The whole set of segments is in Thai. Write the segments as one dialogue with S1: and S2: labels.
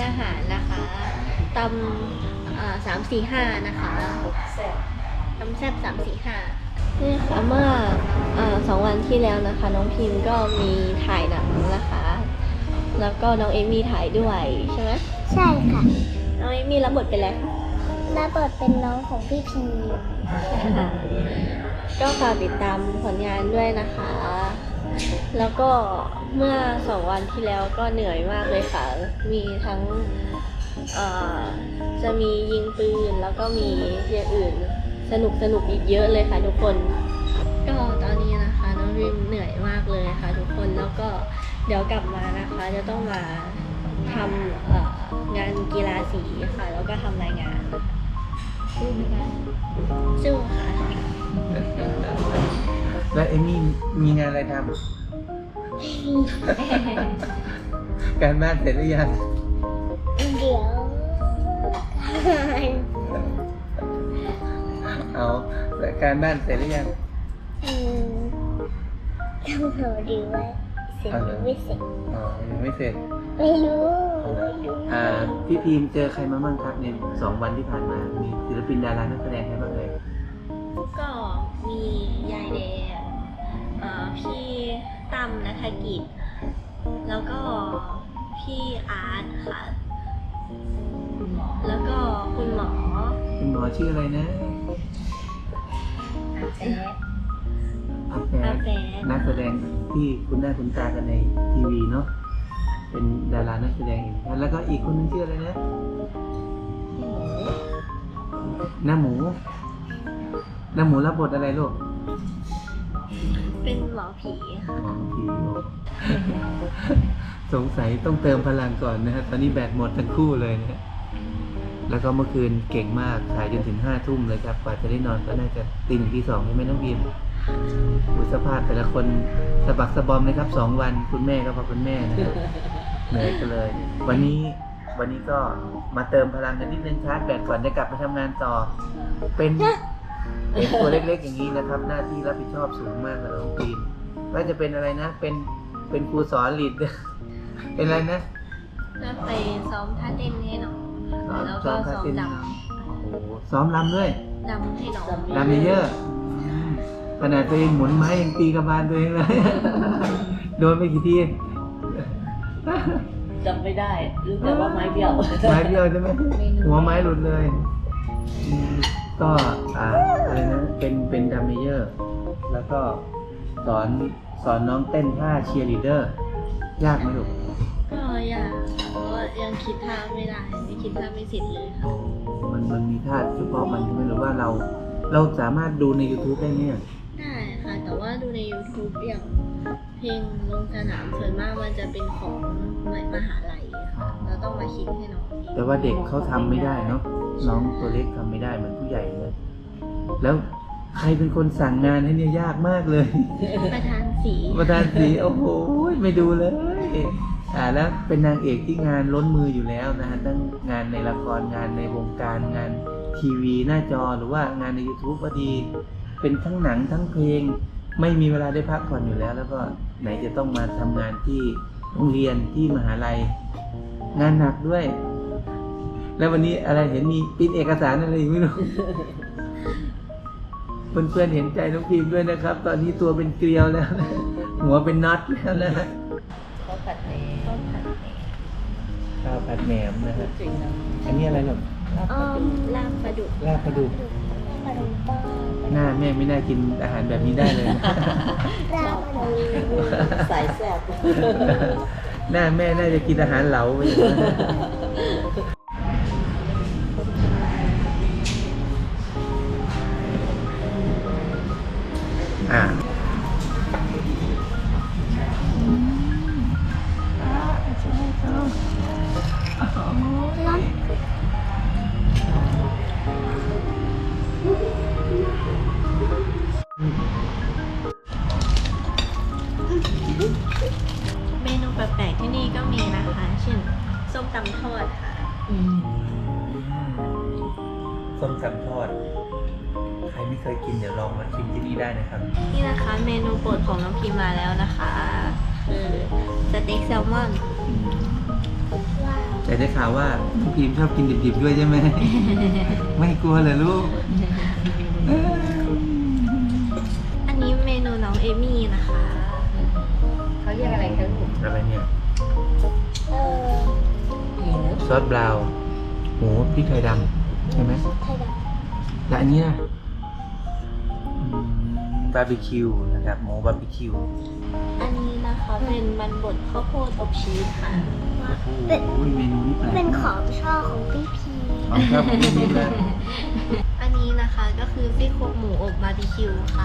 S1: อาหารนะคะตำ3-4-5นะคะตำแซ่บ3-4-5นี่ค่ะเมื่อ2 วันที่แล้วนะคะ น้องพิมก็มีถ่ายหนังนะคะ แล้วก็น้องเอมี่ถ่ายด้วยใช่ไหม
S2: ใช่ค่ะ
S1: น้องเอมี่รับบทเป็นอะไรคะ
S2: รับบทเป็นน้องของพี่พี
S1: ก็ฝากติดตามผลงานด้วยนะคะ แล้วก็เมื่อ2 วันที่แล้วก็เหนื่อยมากเลยค่ะ มีทั้งจะมียิงปืนแล้วก็มีอย่างอื่นสนุกอีกเยอะเลยค่ะทุกคน ก็ตอนนี้นะคะน้องริมเหนื่อยมากเลยค่ะทุกคน แล้วก็เดี๋ยวกลับมานะคะจะต้องมาทำงานกีฬาสีค่ะ แล้วก็ทำรายงานสู้ไหมคะสู้ค่ะ
S3: แล้วเอมี่มีงานอะไรทำ การบ้านเสร็จหรือยัง
S2: เดี๋ยว
S3: เอาแต่การบ้านเสร็จหรือยัง
S2: ต้องรอดูว่าเสร็จหรือไม่เสร็จ
S3: อ๋อยังไม่เสร็จ
S2: ไม่รู้
S3: พี่พีมเจอใครมาบ้างครับใน2 วันที่ผ่านมา มีศิลปินดารานักแสดงใครบ้างเลย
S1: ก็มียายแดงพี่ตั้มณัฐกิจ แล้วก็พี่อาร์ตค่ะ แล้วก็คุณหมอ
S3: คุณหมอชื่ออะไรนะอาแป
S1: อาแปะ
S3: นักแสดงที่คุณหน้าคุณตากันในทีวีเนาะ เป็นดารานักแสดงอีกท่านแล้วก็อีกคนนึงชื่ออะไรนะ หน้าหมูรับบทอะไรลูก
S1: เป็นหมอผีค่ะ
S3: หมอผีสงสัยต้องเติมพลังก่อนนะครับตอนนี้แบตหมดทั้งคู่เลยนะฮะแล้วก็เมื่อคืนเก่งมากถ่ายจนถึง5 ทุ่มเลยครับกว่าจะได้นอนก็น่าจะตี 1 ตี 2ใช่ไหมน้องบีมอุยสภาพแต่ละคนสะบักสะบอมเลยครับ2 วันคุณแม่ก็พอคุณแม่นะครับเหนื่อยกันเลย วันนี้ก็มาเติมพลังกันนิดนึงชาร์จแบตก่อนจะกลับไปทำงานต่อ เป็นตัวเล็กๆอย่างนี้นะครับ หน้าที่รับผิดชอบสูงมากเลยน้องบีมว่าจะเป็นอะไรนะ เป็นครูสอนลีด เป็นอะไรนะ
S1: ก็ไปซ้อมท่าเต้นให้น้องแล้วก็ซ้อมด
S3: โอ้โหซ้อมรำด้วย
S1: ำให้น้อง
S3: รำเยอะขนาดตัวเองหมุนไม้ยังตีกระบาลตัวเองเลย โดนไปกี่ที
S4: จำไม่ได้รู้แต่ว่าไม้เบี้ยว
S3: ไม้เบี้ยวใช่ไหมหัวไม้หลุดเลยก็อะไรนะเป็นดัมเมเยอร์ แล้วก็สอนน้องเต้นท่าเชียร์ลีดเดอร์ยากไหมลูก
S1: ก็อยากเพราะว่ายังคิดท่าไม่ได้ไม่คิดท่าไม่เสร็จเลยค่ะ
S3: มันมีท่าเฉพาะมันใช่ไหมหรือว่าเราสามารถดูใน YouTube ได้เนี่ย
S1: ได้ค่ะ แต่ว่าดูใน YouTube อย่างเพลงลงสนามส่วนมากมันจะเป็นของมหาลัยค่ะเราต้องมาคิดให้น้องเอง
S3: แต่ว่าเด็กเขาทำไม่ได้เนาะน้องตัวเล็กทำไม่ได้เหมือนผู้ใหญ่เลยแล้วใครเป็นคนสั่งงานให้เนี่ยยากมากเลย
S1: ประธานสี
S3: ประธานสีโอ้โหไม่ดูเลยแล้วเป็นนางเอกที่งานล้นมืออยู่แล้วนะฮะทั้งงานในละครงานในวงการงานทีวีหน้าจอหรือว่างานใน YouTube ก็ดี เป็นทั้งหนังทั้งเพลงไม่มีเวลาได้พักผ่อนอยู่แล้ว แล้วก็ไหนจะต้องมาทำงานที่โรงเรียนที่มหาลัยงานหนักด้วย แล้ววันนี้อะไรเห็นมีปริ้นเอกสารอะไรไม่รู้ เพื่อนๆเห็นใจน้องพิมด้วยนะครับ ตอนนี้ตัวเป็นเกลียวแล้วนะหัวเป็นน็อตแล้วนะฮะ
S4: เขาผัดเอง
S3: ข้าวผัดแหนมนะฮะ
S4: จริงนะ
S3: อันนี้อะไรหรอ
S1: ลาบปลาดุก
S3: ลาบปลาดุก
S2: ปลาดุกป้า
S3: หน้าแม่ไม่น่ากินอาหารแบบนี้ได้เลยนะ
S2: ลาปลาดุก
S4: สายแซ่บ
S3: หน้าแม่น่าจะกินอาหารเหลาไปอย่างนั้นนะ
S1: เมนูแปลกๆที่นี่ก็มีนะคะ เช่นส้มตำทอดค่ะ
S3: ส้มตำทอด ใครไม่เคยกินเดี๋ยวลองมาชิมที่นี่ได้นะครับ
S1: นี่นะคะเมนูโปรดของน้องพิมมาแล้วนะคะคือสเต็กแซลมอน
S2: ว้าว
S3: แต่ได้ข่าวว่าน้องพิมชอบกินดิบๆด้วยใช่ไหม ไม่กลัวเลยลูก
S1: อันนี้เมนูน้องเอมี่นะคะ
S4: เขาเรียกอะไรกันลูก
S3: อะไรเนี่ย
S2: เออ
S4: หมู
S3: ซอสบราวน์หมูพริกไทยดำใช่ไหม
S2: ไทยด
S3: และอันนี้นะบาร์บีคิวนะครับหมูบาร์บีคิว
S1: อันนี้นะคะเป็นมันบดข้าวโพดอบชีสค่ะ
S3: โอ้โหเมนูนี้แปล
S2: ำ
S3: ก
S2: เป็นของชอบของพี่พี
S3: ของชอบของพี่พิมเลย
S1: อันนี้นะคะก็คือซี่โครงหมูอบบาร์บีคิวค่ะ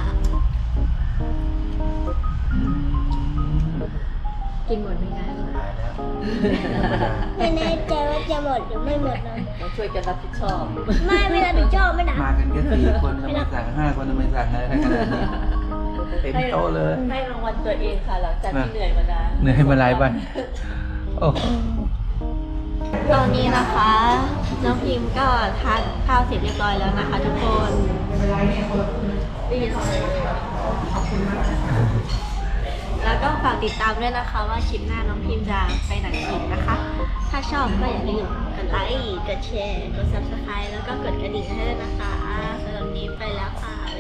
S1: กินหมดไหมคะ
S3: ตายแล้วธรรมดา
S2: ไม่แน่ใจว่าจะหมดหรือไม่หมดนะ
S4: ต้องช่วยกันรับผิดชอบ
S2: ไม่รับผิดชอบไม่นะ
S3: มากันแค่4 คนทำไมสั่ง5 คนทำไมสั่งอะไรขนาดนี้เต็มโต๊ะเลย
S4: ให้รางวัลตัวเองค่ะหลังจากที่เหนื่อยมานาน
S3: เหนื่อยมาหลายวันโอ้โห
S1: ตอนนี้นะคะน้องพิมก็ทานข้าวเสร็จเรียบร้อยแล้วนะคะทุกคนได้ยินเสียงแล้วก็ฝากติดตามด้วยนะคะว่าคลิปหน้าน้องพิมจะไปไหนอีกนะคะ ถ้าชอบก็อย่าลืมกดไลค์ กดแชร์ กด subscribe แล้วก็กดกระดิ่งให้ด้วยนะคะสำหรับวันนี้ไปแล้วค่ะ